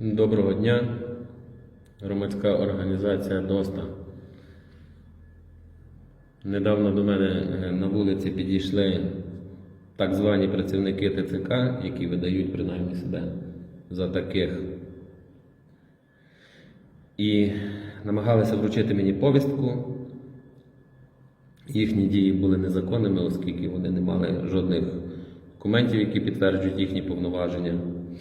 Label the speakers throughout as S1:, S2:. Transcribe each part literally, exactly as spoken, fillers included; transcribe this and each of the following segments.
S1: Доброго дня, громадська організація ДОСТА. Недавно до мене на вулиці підійшли так звані працівники ТЦК, які видають принаймні себе за таких. І намагалися вручити мені повістку. Їхні дії були незаконними, оскільки вони не мали жодних документів, які підтверджують їхні повноваження.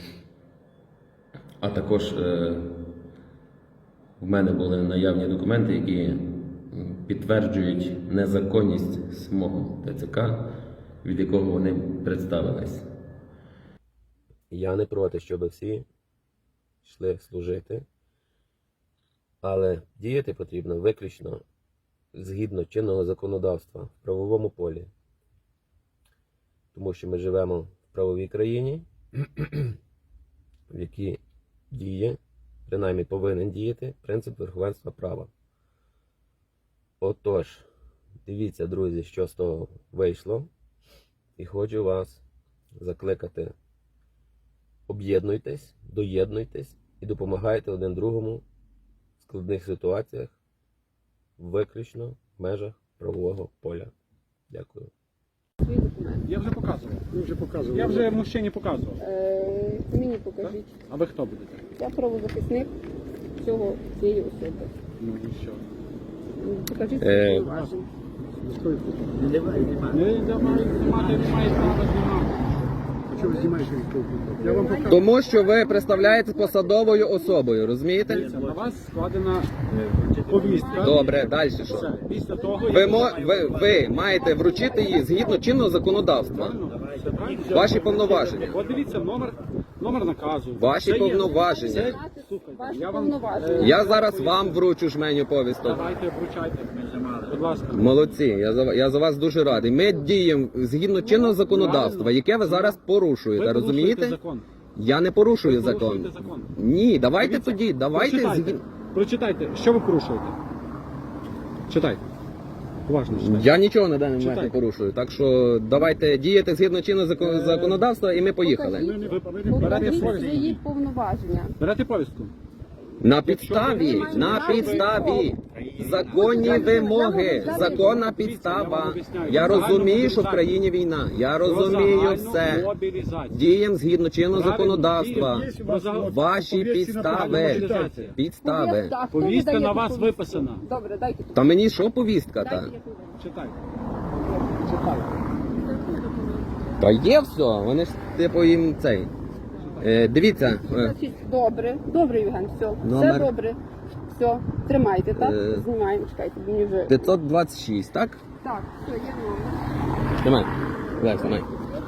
S1: А також е, в мене були наявні документи, які підтверджують незаконність самого ТЦК, від якого вони представились. Я не проти, щоб всі йшли служити, але діяти потрібно виключно згідно чинного законодавства в правовому полі. Тому що ми живемо в правовій країні, в якій діє, принаймні повинен діяти, принцип верховенства права. Отож, дивіться, друзі, що з того вийшло. І хочу вас закликати. Об'єднуйтесь, доєднуйтесь і допомагайте один другому в складних ситуаціях, виключно в межах правового поля. Дякую.
S2: Я вже показував.
S3: Ви вже показували.
S2: Я вже мужчині показував.
S4: Е, мені покажіть.
S2: А ви хто будете?
S4: Я правозахисник цього цієї особи.
S2: Ну і що?
S4: Покажіть
S1: Е,
S4: свої повноваження.
S3: Немає, немає.
S2: Не давай знімати, немає права знімати.
S3: А що ви знімаєте від Я вам покажу.
S1: Тому що ви представляєте посадовою особою, розумієте?
S2: Дивіться, на вас складена повістка.
S1: Добре, далі що?
S2: Все. Після того,
S1: Ви,
S2: як
S1: мо, ви, ви маєте вручити її згідно чинного законодавства.
S2: Правильно? Все правильно?
S1: Ваші повноваження.
S2: От дивіться, номер, номер наказу.
S1: Ваші
S2: Це є-
S1: повноваження.
S2: це- Слухайте,
S4: Ваші
S2: я вам,
S4: повноваження.
S2: е,
S1: Я зараз вам вручу жменю повісток.
S2: Давайте, вручайте. Будь ласка.
S1: Молодці, я за, я за вас дуже радий. Ми діємо згідно чинного законодавства, яке ви зараз порушуєте,
S2: Ви порушуєте
S1: розумієте?
S2: закон.
S1: Я не порушую
S2: Ви
S1: закон.
S2: порушуєте закон.
S1: Ні, давайте
S2: Дивіться,
S1: тоді, давайте
S2: Прочитайте,
S1: згідно.
S2: прочитайте, що ви порушуєте. Читайте. Уважно читайте.
S1: Я нічого на даний момент не
S2: Читайте.
S1: порушую, так що давайте діяти згідно чинного закон- законодавства і ми поїхали.
S2: Ви, ви берете
S4: Покажіть
S2: повістку.
S4: свої повноваження.
S2: Берете повістку.
S1: На підставі, на підставі, законні вимоги, законна підстава. Я розумію, що в країні війна. Я розумію все.
S2: Мобілізацію.
S1: Діємо згідно чинного
S2: Правильно,
S1: законодавства.
S2: діємо. Про за-
S1: Ваші підстави.
S2: мобілізація.
S1: Підстави.
S4: Повістка, а хто
S2: Повістка
S4: видає
S2: на вас
S4: повістку?
S2: виписана.
S4: Добре, дайте.
S1: Та мені що повістка та?
S4: Дайте, я повідомлю.
S2: Читайте. Читайте.
S1: Та є все, вони ж типу їм цей. Е, дивіться, е,
S4: Значить, добре, добре, Євген, все.
S1: Номер.
S4: Все добре. Все, тримайте, так?
S1: Е.
S4: Знімаємо, чекайте, бо мені вже...
S1: п'ятсот двадцять шість, так?
S4: Так, все, є номер.
S1: Тримай. Олег, тримай.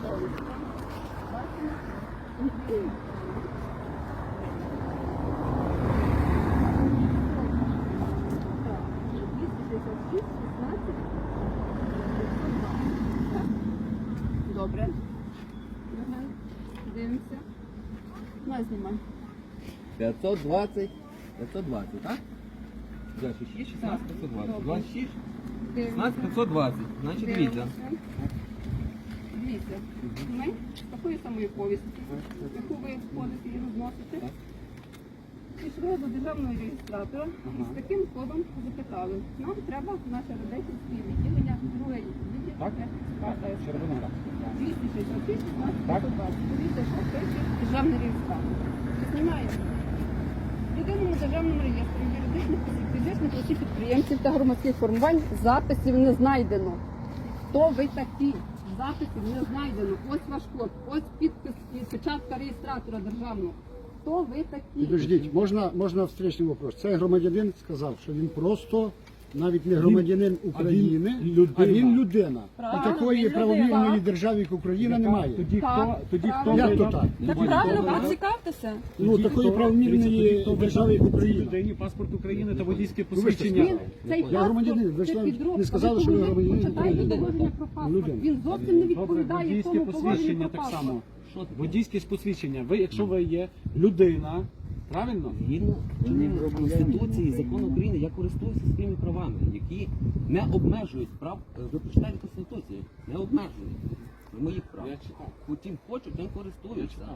S4: Добре. Євген, дивимося. Ну, знімай.
S1: п'ятсот двадцять, п'ятсот двадцять, так? двадцять шість, шістнадцять, п'ятсот двадцять. двадцять шість, шістнадцять, п'ятсот двадцять. Значить, дивіться.
S4: Дивіться, ми з такої самої повістки, яку ви входите і розносите, пішли до державного реєстратора і з таким кодом запитали. Нам треба наше радейське відділення, друге відділення,
S2: Так?
S4: яке
S2: Червона.
S4: двісті шістдесят шість, шістнадцять,
S2: Так.
S4: п'ятсот двадцять. Дивіться, що пише державний реєстратор. Чи знімає? В єдиному державному реєстрі юридичних осіб, фізичних осіб підприємців та громадських формувань записів не знайдено. Хто ви такі? Записів не знайдено. Ось ваш код, ось підпис і печатка реєстратора державного. Хто ви такі?
S3: Підождіть, можна, можна встречний вопрос. Цей громадянин сказав, що він просто навіть не громадянин України,
S2: а він людина.
S3: а він людина.
S4: Правильно,
S3: І такої
S4: він
S3: правовільної
S4: людина.
S3: держави, як Україна, немає.
S2: Тоді
S4: Так,
S2: хто, тоді хто
S4: правильно.
S3: Як то
S2: ви-
S3: так?
S4: Та
S2: Тоді
S4: правильно,
S2: хто ви-
S4: поцікавтеся.
S3: Ну,
S2: Тоді
S3: такої
S2: хто-
S3: правовільної
S2: дивіться, тоді хто
S3: держави, як
S2: видав цій
S3: Україна.
S2: людині паспорт України та водійське
S3: ви ж
S2: посвідчення.
S4: Він, цей
S3: Я
S4: паспорт,
S3: громадянин, ви ж
S4: це
S3: нам
S4: підробка.
S3: не сказали, що ви
S4: Ви
S3: громадянин
S4: почитайте
S3: України.
S4: положення про паспорт.
S3: Людина.
S4: Він зовсім не
S2: Добре,
S4: відповідає
S2: водійське
S4: тому положенню
S2: посвідчення
S4: про
S2: так
S4: паспорт.
S2: само. Водійське посвідчення. Ви, якщо ви є людина, правильно?
S1: Згідно Конституції і закону України, я користуюся своїми правами, які не обмежують прав. Ви прочитайте Конституцію, не обмежують моїх прав.
S2: Я читав.
S1: Потім хочуть, тим користуються.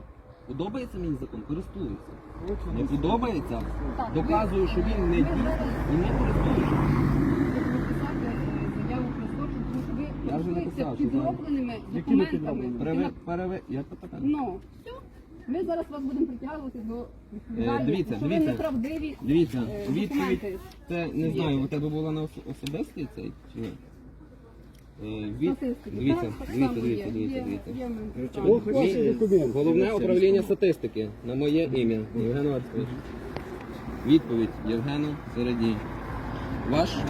S1: Подобається мені закон? Користуюся.
S2: Точно.
S1: Не подобається?
S4: Так,
S1: Доказую, що він не
S4: ви
S1: дій
S4: зараз-
S1: і не користуюся.
S4: Написати е, заяву про злочин, тому що ви
S1: Я вже
S4: користуєтеся
S1: написав, що
S4: підробленими
S2: Якими
S4: документами.
S2: підробленими?
S1: Переве... Переве... Як це таке?
S4: Ну, все. Ми зараз вас будемо притягувати до
S1: Е,
S4: відповідальності,
S1: дивіться,
S4: що ви
S1: дивіться.
S4: неправдиві
S1: Дивіться,
S4: е,
S1: відповідь,
S4: документи.
S1: це не знаю, у тебе була на ос- особистий цей чи ні? Е, від...
S4: Статистики.
S1: Дивіться,
S4: Так, так
S1: дивіться,
S4: само
S1: дивіться,
S4: є.
S1: дивіться,
S4: Є-
S1: дивіться.
S4: є в мене
S3: Ох,
S4: справа.
S3: ваші
S1: Мій-
S3: документи.
S1: Головне управління статистики на моє ім'я Євген Вацькович. Відповідь Євгену Середій. Ваш е,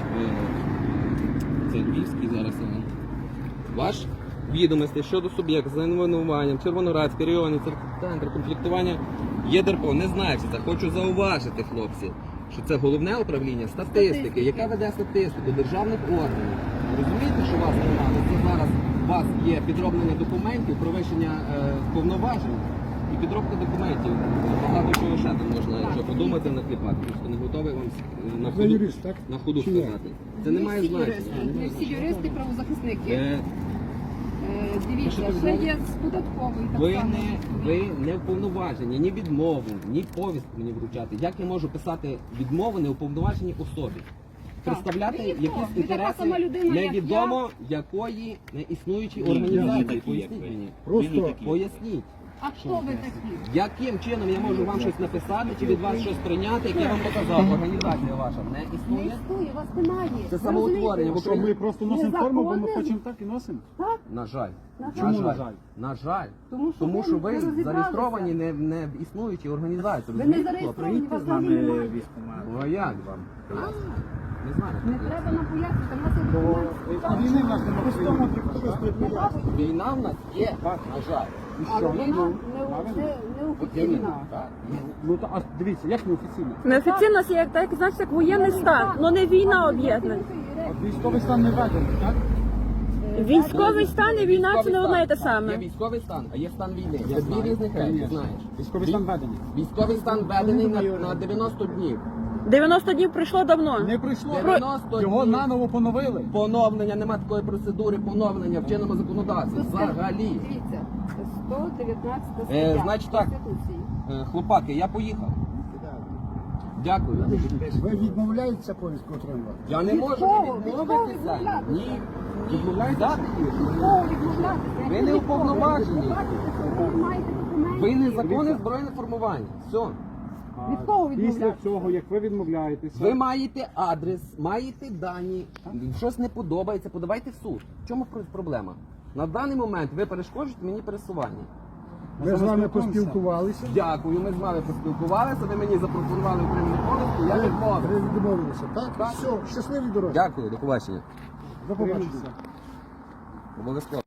S1: це Львівський зараз. е, Ваш відомості щодо суб'єкта з найменуванням Червоноградський районний центр комплектування є ДРПО. Не знаю, чи це хочу зауважити, хлопці, що це головне управління статистики,
S4: Статистики.
S1: яке веде статистику державних органів. Розумієте, що вас немає? Це зараз у вас є підроблення документів, провищення е, повноважень і підробка документів. Багато чого ще там можна, якщо подумати, накліпати. Просто не готовий вам е, на
S3: Ви
S1: ходу,
S3: юрист, так?
S1: на ходу
S3: Чи ні?
S1: сказати. Це не
S4: Не
S1: має
S4: всі
S1: значення.
S4: юристи, не всі юристи правозахисники.
S1: Е,
S4: Е, Дивіться,
S1: що
S4: ще
S1: ви
S4: є з податкової так
S1: Ви
S4: само.
S1: не, ви не вповноважені ні відмову, ні повістку мені вручати. Як я можу писати відмову неуповноваженій особі? Представляти
S4: Ви ніхто.
S1: якісь
S4: Ви така
S1: інтереси
S4: сама людина, як
S1: невідомо якої неіснуючої організації. Поясніть мені.
S3: Просто
S1: Поясніть.
S4: А хто ви такі?
S1: Яким чином я можу вам щось написати чи від вас щось прийняти, як я вам показав, організація ваша не
S4: Не
S1: існує?
S4: існує, вас немає.
S1: Це
S4: Ви
S1: самоутворення
S4: розумієте?
S1: в
S2: Що ми просто носимо форму, бо ми
S4: Незаконне.
S2: хочемо так і носимо.
S4: Так,
S1: На жаль.
S4: На
S1: На
S2: жаль.
S1: жаль. На жаль.
S4: Тому що
S1: Тому
S4: ви
S1: що ви
S4: не розібралися.
S1: зареєстровані не, не в існуючій організації.
S4: ви не
S1: розумієте,
S4: зареєстровані,
S1: хлопці?
S4: вас взагалі немає.
S1: Ну, а як вам? Не знаю.
S4: Не треба нам пояснити, в нас є документи.
S3: війни в нас немає.
S1: Війна в нас є, на жаль.
S4: Але вона не, не,
S1: От
S4: неофіційна.
S1: іменно, так.
S2: Ну то а дивіться, як неофіційно?
S5: Неофіційно це як так, значить, як воєнний стан, але не війна об'єднана.
S2: От військовий стан не введений, так?
S5: Військовий стан і війна це
S1: Військовий
S5: не одне і те
S1: стан. Є
S5: саме.
S1: військовий стан, а є стан війни. Це дві
S2: знаю.
S1: різних речі,
S2: Конечно.
S1: знаєш.
S2: Військовий стан введений.
S1: Військовий стан введений на, на дев'яносто днів.
S5: дев'яносто днів пройшло давно.
S2: Не прийшло.
S1: дев'яносто
S2: Його
S1: днів.
S2: наново поновили.
S1: Поновлення, нема такої процедури поновлення в чинному законодавстві. Взагалі.
S4: Дивіться, сто дев'ятнадцята стаття
S1: Е, значить так.
S4: Конституції.
S1: Е, Хлопаки, я поїхав. Дякую.
S3: Ви відмовляєтеся повістку отримувати?
S1: Я не
S4: Від
S1: можу
S4: кого? Від
S1: відмовитися.
S4: кого відмовлятися?
S1: Ні. Відмовляєтеся?
S4: Кого відмовлятися? Як
S1: Ви
S4: ви
S1: не
S4: від кого?
S1: уповноважені.
S4: Ви бачите, що ви маєте документи.
S1: Ви незаконне збройне формування. Все.
S2: А
S4: Від кого
S2: Після
S4: відмовлятися?
S2: цього, як ви відмовляєтеся,
S1: Ви маєте адрес, маєте дані, щось не подобається, подавайте в суд. В чому про- проблема? На даний момент ви перешкоджуєте мені пересування.
S3: Ми з вами поспілкувалися.
S1: Дякую, ми з вами поспілкувалися, ви мені запропонували отримання повістку, я
S3: Ви
S1: відмовив.
S3: ви відмовилися, так?
S1: Так.
S3: Все, щасливі дороги.
S1: Дякую, до побачення.
S2: до побачення.
S1: Обов'язково.